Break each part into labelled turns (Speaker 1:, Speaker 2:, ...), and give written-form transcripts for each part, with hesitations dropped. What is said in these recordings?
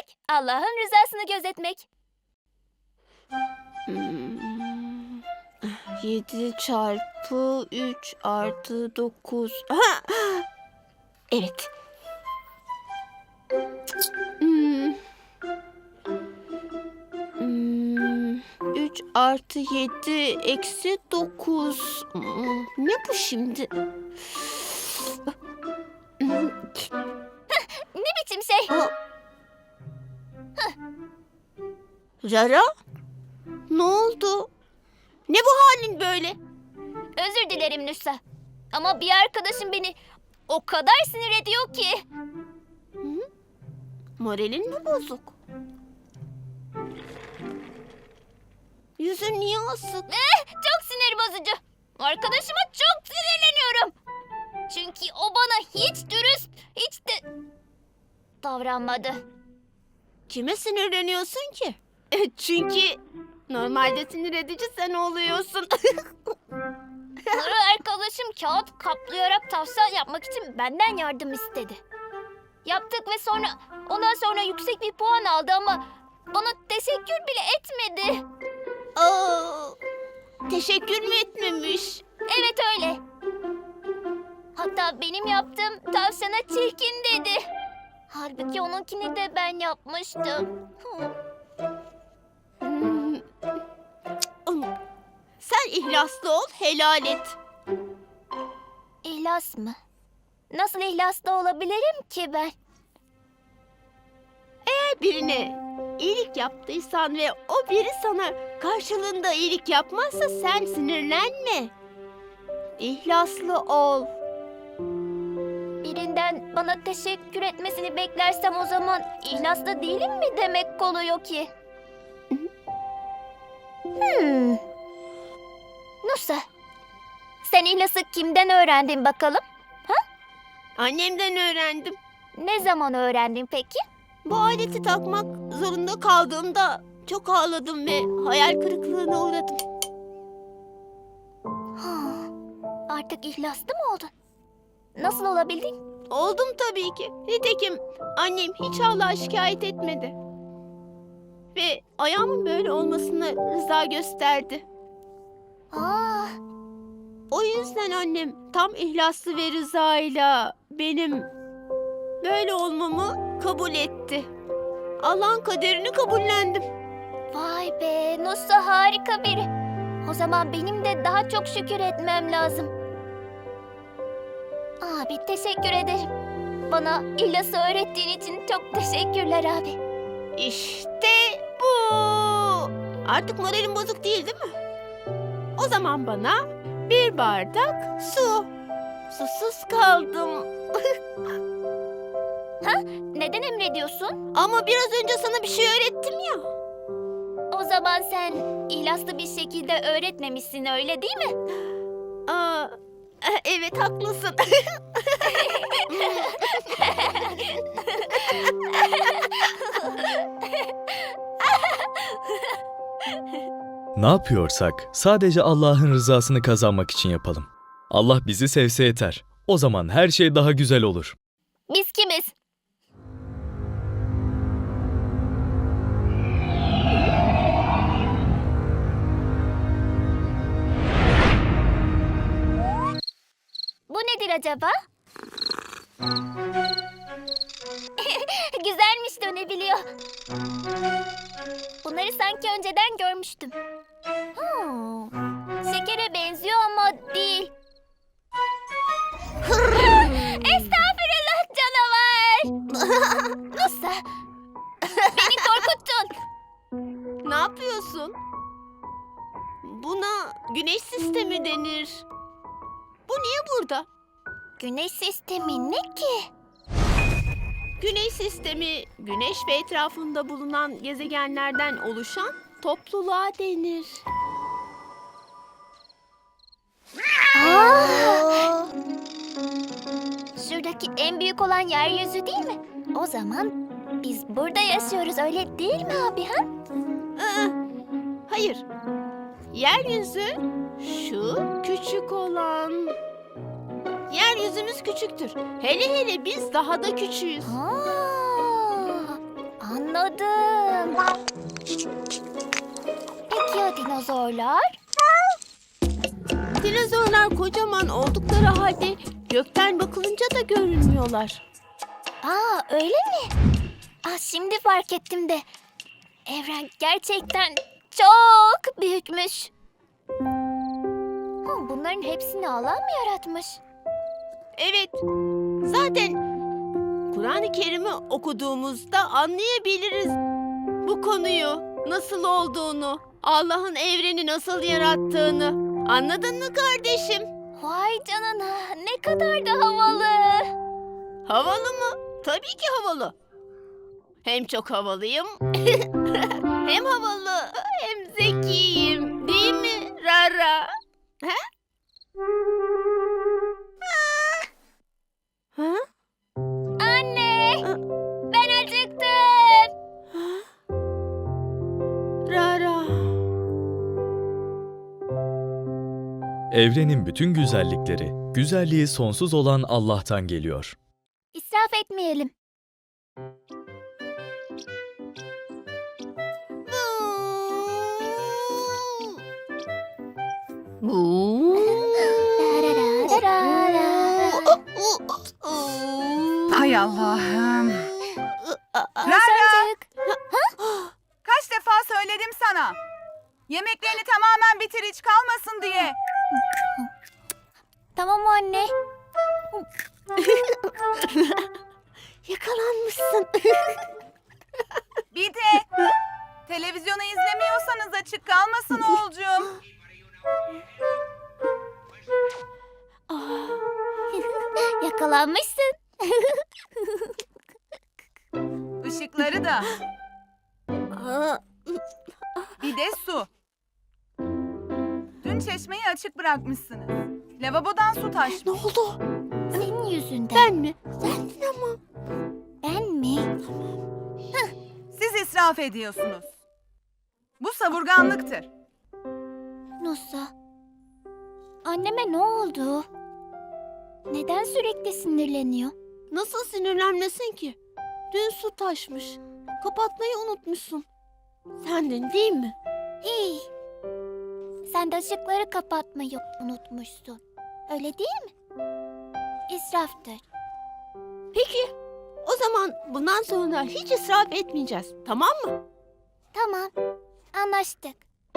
Speaker 1: demek Allah'ın rızasını gözetmek.
Speaker 2: 7 çarpı 3 artı 9. Aha! Evet. 3 artı 7 eksi 9. Ne bu şimdi?
Speaker 1: Ne biçim şey?
Speaker 2: Rara? Ne oldu? Ne bu halin böyle?
Speaker 1: Özür dilerim Nusa. Ama bir arkadaşım beni o kadar sinir ediyor ki.
Speaker 2: Moralin mi bozuk? Yüzün niye asık?
Speaker 1: Çok sinir bozucu. Arkadaşıma çok sinirleniyorum. Çünkü o bana hiç dürüst, hiç de davranmadı.
Speaker 2: Kime sinirleniyorsun ki? Çünkü normalde sinir edici sen oluyorsun.
Speaker 1: Arkadaşım kağıt kaplayarak tavsiye yapmak için benden yardım istedi. Yaptık ve ondan sonra yüksek bir puan aldı ama bana teşekkür bile etmedi.
Speaker 2: Aa, teşekkür mü etmemiş?
Speaker 1: Evet öyle. Hatta benim yaptığım tavşana çirkin dedi. Halbuki onunkini de ben yapmıştım.
Speaker 2: Sen ihlaslı ol, helal et.
Speaker 1: İhlas mı? Nasıl ihlaslı olabilirim ki ben?
Speaker 2: Birine iyilik yaptıysan ve o biri sana karşılığında iyilik yapmazsa sen sinirlenme. İhlaslı ol.
Speaker 1: Birinden bana teşekkür etmesini beklersem o zaman ihlaslı değilim mi demek oluyor ki? Nusa, sen ihlası kimden öğrendin bakalım?
Speaker 2: Annemden öğrendim.
Speaker 1: Ne zaman öğrendin peki?
Speaker 2: Bu aleti takmak zorunda kaldığımda çok ağladım ve hayal kırıklığına uğradım.
Speaker 1: Artık ihlaslı mı oldun? Nasıl olabildin?
Speaker 2: Oldum tabii ki. Nitekim annem hiç Allah'a şikayet etmedi. Ve ayağımın böyle olmasına rıza gösterdi. O yüzden annem tam ihlaslı ve rızayla benim böyle olmamı kabul etti. Allah'ın kaderini kabullendim.
Speaker 1: Vay be, Nusa harika biri. O zaman benim de daha çok şükür etmem lazım. Abi teşekkür ederim. Bana ihlası öğrettiğin için çok teşekkürler abi.
Speaker 2: İşte bu. Artık moralim bozuk değil mi? O zaman bana bir bardak su. Susuz kaldım.
Speaker 1: Neden emrediyorsun?
Speaker 2: Ama biraz önce sana bir şey öğrettim ya.
Speaker 1: O zaman sen ihlaslı bir şekilde öğretmemişsin öyle değil mi?
Speaker 2: Evet haklısın.
Speaker 3: Ne yapıyorsak sadece Allah'ın rızasını kazanmak için yapalım. Allah bizi sevse yeter. O zaman her şey daha güzel olur.
Speaker 1: Biz kimiz? Bu nedir acaba? Güzelmiş dönebiliyor. Bunları sanki önceden görmüştüm. Şekere benziyor ama değil. Estağfurullah canavar. Nusa, beni korkuttun.
Speaker 2: Ne yapıyorsun? Buna güneş sistemi denir. Bu niye burada?
Speaker 1: Güneş sistemi ne ki?
Speaker 2: Güneş sistemi, güneş ve etrafında bulunan gezegenlerden oluşan topluluğa denir.
Speaker 1: Şuradaki en büyük olan yeryüzü değil mi? O zaman biz burada yaşıyoruz öyle değil mi abi ha?
Speaker 2: Hayır. Yeryüzü şu küçük olan. Yeryüzümüz küçüktür. Hele hele biz daha da küçüğüz.
Speaker 1: Anladım. Anladım. Peki ya dinozorlar?
Speaker 2: Dinozorlar kocaman oldukları halde gökten bakılınca da görünmüyorlar.
Speaker 1: Aa, öyle mi? Şimdi fark ettim de. Evren gerçekten çok büyükmüş. Bunların hepsini Allah mı yaratmış?
Speaker 2: Evet, zaten Kur'an-ı Kerim'i okuduğumuzda anlayabiliriz bu konuyu, nasıl olduğunu, Allah'ın evreni nasıl yarattığını. Anladın mı kardeşim?
Speaker 1: Vay canına, ne kadar da havalı.
Speaker 2: Havalı mı? Tabii ki havalı. Hem çok havalıyım, hem havalı, hem zekiyim. Değil mi Rara? He? Ha?
Speaker 1: Anne, ben acıktım.
Speaker 2: Rara.
Speaker 3: Evrenin bütün güzellikleri, güzelliği sonsuz olan Allah'tan geliyor.
Speaker 1: İsraf etmeyelim.
Speaker 4: Hay Allah'ım.
Speaker 1: Hasancık.
Speaker 4: Kaç defa söyledim sana. Yemeklerini tamamen bitir, hiç kalmasın diye.
Speaker 1: Tamam anne.
Speaker 2: Yakalanmışsın.
Speaker 4: Bir de televizyonu izlemiyorsanız açık kalmasın oğulcuğum.
Speaker 1: Yakalanmışsın.
Speaker 4: Işıkları da. Bir de su. Dün çeşmeyi açık bırakmışsınız. Lavabodan su
Speaker 2: Ne
Speaker 4: taşmış.
Speaker 2: oldu?
Speaker 1: Senin yüzünden.
Speaker 2: Ben mi? Sendin ama.
Speaker 1: Ben mi?
Speaker 4: Siz israf ediyorsunuz. Bu savurganlıktır.
Speaker 1: Nusa. Anneme ne oldu? Neden sürekli sinirleniyor?
Speaker 2: Nasıl sinirlenmesin ki? Dün su taşmış. Kapatmayı unutmuşsun. Sendin değil mi?
Speaker 1: Hey. Sen de ışıkları kapatmayı unutmuşsun. Öyle değil mi? İsraftır.
Speaker 2: Peki. O zaman bundan sonra hiç israf etmeyeceğiz. Tamam mı?
Speaker 1: Tamam. Anlaştık.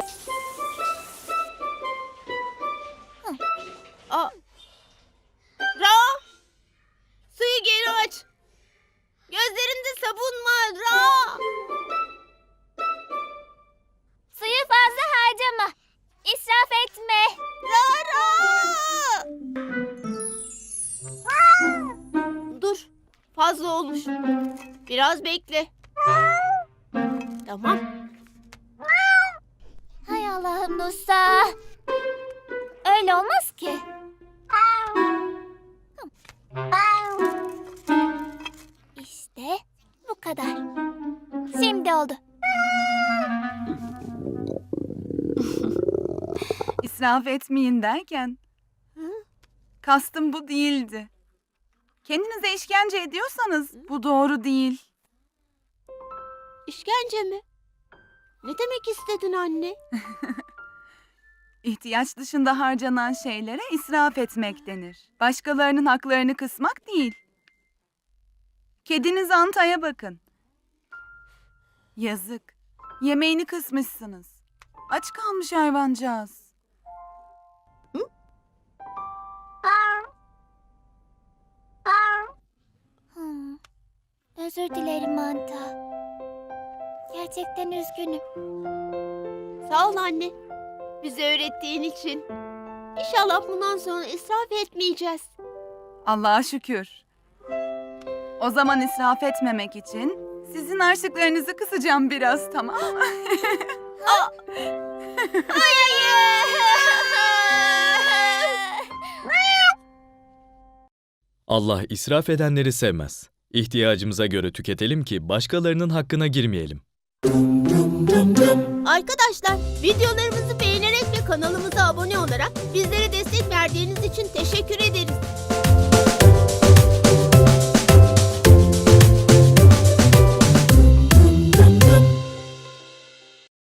Speaker 2: Ra! Suyu geri aç. Gözlerinde sabun var Ra!
Speaker 1: Suyu fazla harcama. İsraf etme.
Speaker 2: Ra! Dur. Fazla olmuş. Biraz bekle. Tamam.
Speaker 1: Hay Allah'ım Nusa. Öyle olmaz ki. İşte bu kadar. Şimdi oldu.
Speaker 4: İsraf etmeyin derken. Kastım bu değildi. Kendinize işkence ediyorsanız bu doğru değil.
Speaker 2: İşkence mi? Ne demek istedin anne?
Speaker 4: İhtiyaç dışında harcanan şeylere israf etmek denir. Başkalarının haklarını kısmak değil. Kediniz Anta'ya bakın. Yazık. Yemeğini kısmışsınız. Aç kalmış hayvancağız.
Speaker 1: Özür dilerim Manta. Gerçekten üzgünüm.
Speaker 2: Sağ ol anne. Bize öğrettiğin için. İnşallah bundan sonra israf etmeyeceğiz.
Speaker 4: Allah'a şükür. O zaman israf etmemek için sizin harçlıklarınızı kısacağım biraz, tamam mı?
Speaker 3: Allah israf edenleri sevmez. İhtiyacımıza göre tüketelim ki başkalarının hakkına girmeyelim.
Speaker 2: Arkadaşlar, videolarımızı beğenerek ve kanalımıza abone olarak bizlere destek verdiğiniz için teşekkür ederiz.